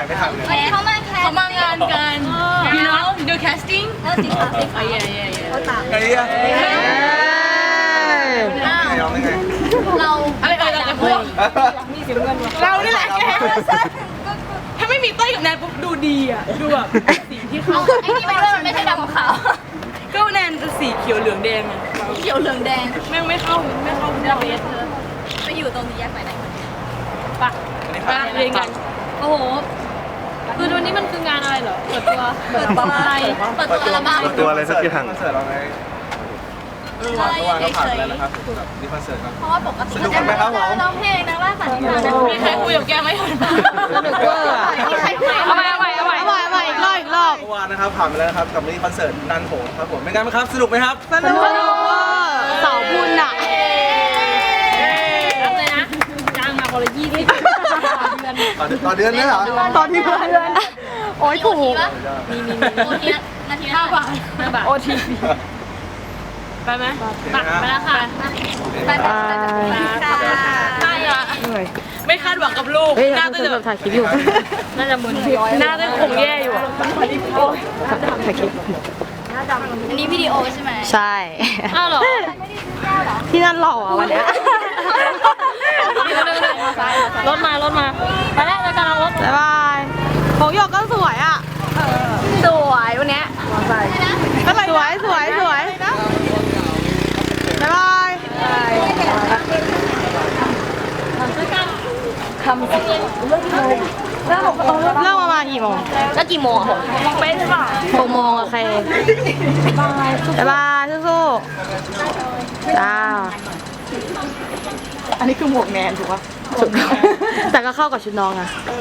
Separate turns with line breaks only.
ไม่ทันเลย
เขามางานกัน you know the casting
ไงอ่ะเราไง
เราอะไรเราจะพูดเรานี่แหละแกถ้าไม่มีเต้ยกับแนนปุ๊บดูดีอ่ะดูแบบสีที่เขาไอ้นี่ไม่ด้วยมันไม่ใช่ดำของเขาก็แนนสีเขียวเหลืองแดงอ่ะเขียวเหลืองแดงแม่งไม่เข้าดาเบสเธอไปอยู่ตรงนี้แยกไปไหนปะเรียนกันโอ้โหคือวันนี้มันคืองานอะไรเหรอเปิดตัวอะไรเปิดตัวอัลบั้ม
ตัวอะไรสักอย่างคอนเสิร์ตเราไงเมื่อวานก็ผ่านไปแล้วนะครับแบบนี่คอนเสิร์ตครับ
เพราะว่าปกติ
สนุกกันไหมครับผม
ร้องเพลงนะว่าสันนิษฐานนะมีใครคุยกับแกไหมสนุกเวอร์มีใครคุยเอาใหม่อีกรอบ
เมื่อวานนะครับผ่านไปแล้วนะครับกับมินิคอนเสิร์ตนันโหครับผมเป็นไงบ้างครับสนุกไหมครับสนุก
เสาบุญอ่ะ
รับเลยนะจ้างมาคนละ20
ต่อเดือนเนี่ยเหรอ
ตอนที่เพื่อนโอ้ยถูก
มีโอทีนาที5 บาท
โอที
ไปไหมไปแล้วค่ะไปอะไม่คาดหวังกับลูกหน้าเต้ยแบบ
ถ่ายคลิปอยู่
น่าจะมึนหน้าเต้ยคงแย่อยู่
ถ่ายคลิป
อันนี้วิดีโอใช่ไหม
ใช่
อ้าวเหรอ
ที่นั่นหล่ออ่ะวันเนี้ย
รถมาไปแล้วรายการรถ
บ๊ายบายของหยกก็สวยอ่ะ สวยวันเนี้ยสวยบ๊ายบายเริ่มประมาณกี่โมง
แล้วกี่โมงเป็นหรือเปล่า
6 โมงโอเคบ๊ายบายสู้ๆจ้าอันนี้คือหมวกแนนถูกปะแต่ก็เข้ากับชุดน้องอะ